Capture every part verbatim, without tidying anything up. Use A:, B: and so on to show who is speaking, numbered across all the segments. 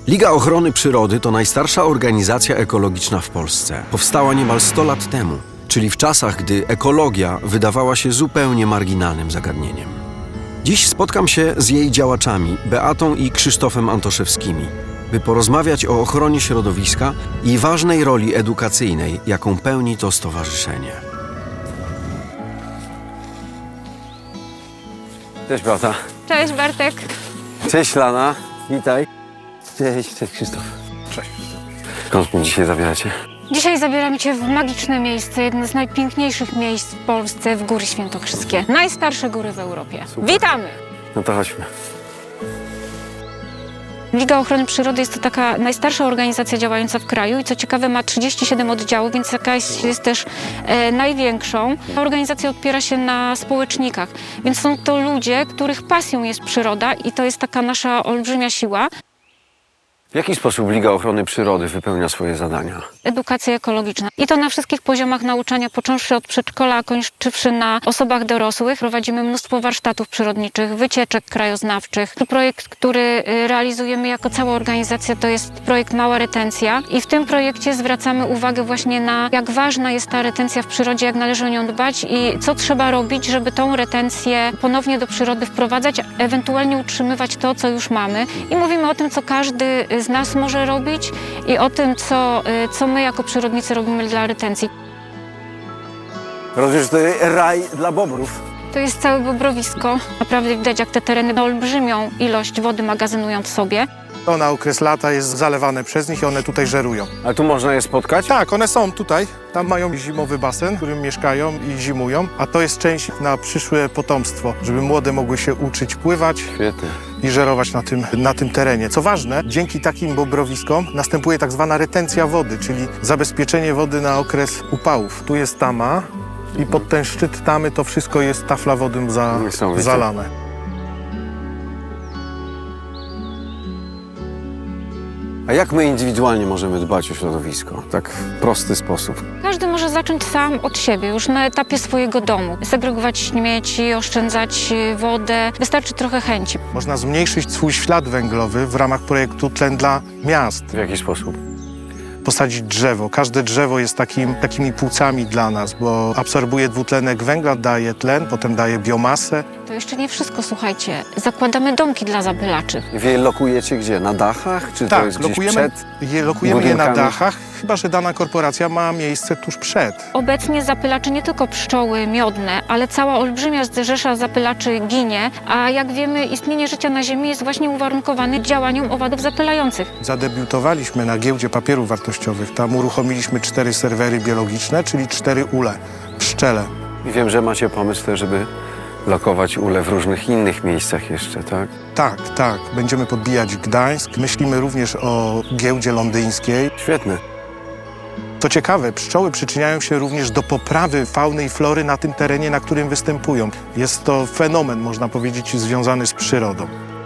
A: Liga Ochrony Przyrody to najstarsza organizacja ekologiczna w Polsce. Powstała niemal sto lat temu, czyli w czasach, gdy ekologia wydawała się zupełnie marginalnym zagadnieniem. Dziś spotkam się z jej działaczami, Beatą i Krzysztofem Antoszewskimi, by porozmawiać o ochronie środowiska i ważnej roli edukacyjnej, jaką pełni to stowarzyszenie. Cześć Beata.
B: Cześć Bartek.
A: Cześć Lana. Witaj. Cześć, cześć Krzysztof.
C: Cześć.
A: Skąd mnie dzisiaj zabieracie?
B: Dzisiaj zabieramy Cię w magiczne miejsce, jedno z najpiękniejszych miejsc w Polsce, w Góry Świętokrzyskie. Najstarsze góry w Europie.
A: Super.
B: Witamy!
A: No to chodźmy.
B: Liga Ochrony Przyrody jest to taka najstarsza organizacja działająca w kraju i co ciekawe ma trzydzieści siedem oddziałów, więc jakaś jest też e, największą. Ta organizacja opiera się na społecznikach, więc są to ludzie, których pasją jest przyroda i to jest taka nasza olbrzymia siła.
A: W jaki sposób Liga Ochrony Przyrody wypełnia swoje zadania?
B: Edukacja ekologiczna. I to na wszystkich poziomach nauczania, począwszy od przedszkola, a kończywszy na osobach dorosłych. Prowadzimy mnóstwo warsztatów przyrodniczych, wycieczek krajoznawczych. Projekt, który realizujemy jako cała organizacja, to jest projekt Mała Retencja. I w tym projekcie zwracamy uwagę właśnie na jak ważna jest ta retencja w przyrodzie, jak należy o nią dbać i co trzeba robić, żeby tą retencję ponownie do przyrody wprowadzać, ewentualnie utrzymywać to, co już mamy. I mówimy o tym, co każdy z nas może robić i o tym, co, co my jako przyrodnicy robimy dla retencji.
A: Rozumiem, że to raj dla bobrów.
B: To jest całe bobrowisko. Naprawdę widać, jak te tereny olbrzymią ilość wody magazynują w sobie.
C: To na okres lata jest zalewane przez nich i one tutaj żerują.
A: A tu można je spotkać?
C: Tak, one są tutaj. Tam mają zimowy basen, w którym mieszkają i zimują, a to jest część na przyszłe potomstwo, żeby młode mogły się uczyć pływać
A: Świetnie.
C: i żerować na tym, na tym terenie. Co ważne, dzięki takim bobrowiskom następuje tak zwana retencja wody, czyli zabezpieczenie wody na okres upałów. Tu jest tama i pod ten szczyt tamy to wszystko jest tafla wody za,
A: Niesamowite.
C: zalane.
A: A jak my indywidualnie możemy dbać o środowisko? Tak w prosty sposób.
B: Każdy może zacząć sam od siebie, już na etapie swojego domu. Segregować śmieci, oszczędzać wodę. Wystarczy trochę chęci.
C: Można zmniejszyć swój ślad węglowy w ramach projektu Tlen dla Miast.
A: W jaki sposób?
C: Posadzić drzewo. Każde drzewo jest takim, takimi płucami dla nas, bo absorbuje dwutlenek węgla, daje tlen, potem daje biomasę.
B: To jeszcze nie wszystko, słuchajcie. Zakładamy domki dla zapylaczy.
A: Wy je lokujecie gdzie? Na dachach? Czy to
C: Tak,
A: jest gdzieś
C: lokujemy,
A: przed?
C: je, lokujemy je na
A: budynkami?
C: dachach, chyba że dana korporacja ma miejsce tuż przed.
B: Obecnie zapylacze nie tylko pszczoły miodne, ale cała olbrzymia rzesza zapylaczy ginie, a jak wiemy, istnienie życia na Ziemi jest właśnie uwarunkowane działaniem owadów zapylających.
C: Zadebiutowaliśmy na giełdzie papierów wartościowych. Tam uruchomiliśmy cztery serwery biologiczne, czyli cztery ule, pszczele.
A: I wiem, że macie pomysł też, żeby lokować ule w różnych innych miejscach jeszcze, tak?
C: Tak, tak. Będziemy podbijać Gdańsk. Myślimy również o giełdzie londyńskiej.
A: Świetne.
C: To ciekawe, pszczoły przyczyniają się również do poprawy fauny i flory na tym terenie, na którym występują. Jest to fenomen, można powiedzieć, związany z przyrodą.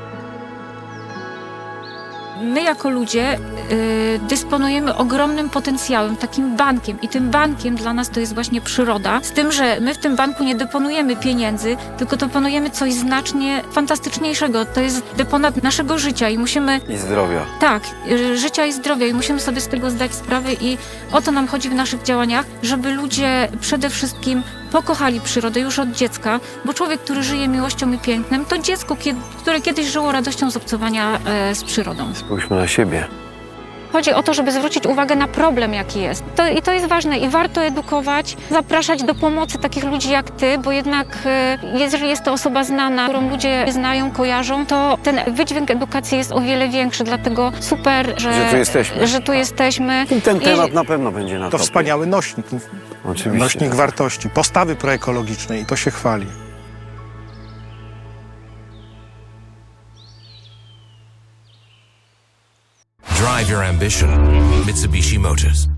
B: My jako ludzie y, dysponujemy ogromnym potencjałem, takim bankiem i tym bankiem dla nas to jest właśnie przyroda. Z tym, że my w tym banku nie deponujemy pieniędzy, tylko deponujemy coś znacznie fantastyczniejszego. To jest deponat naszego życia i musimy...
A: I zdrowia.
B: Tak, y, życia i zdrowia i musimy sobie z tego zdać sprawę i o to nam chodzi w naszych działaniach, żeby ludzie przede wszystkim pokochali przyrodę już od dziecka, bo człowiek, który żyje miłością i pięknem, to dziecko, kiedy, które kiedyś żyło radością z obcowania e, z przyrodą.
A: Spójrzmy na siebie.
B: Chodzi o to, żeby zwrócić uwagę na problem, jaki jest. To, I to jest ważne i warto edukować, zapraszać do pomocy takich ludzi jak ty, bo jednak e, jeżeli jest to osoba znana, którą ludzie znają, kojarzą, to ten wydźwięk edukacji jest o wiele większy, dlatego super, że,
A: Że tu jesteśmy.
B: Że tu jesteśmy.
A: I ten
B: I-
A: temat na pewno będzie na
C: To
A: topie.
C: wspaniały nośnik,
A: Oczywiście.
C: nośnik wartości, postawy proekologicznej i to się chwali.
D: Drive your ambition. Mitsubishi Motors.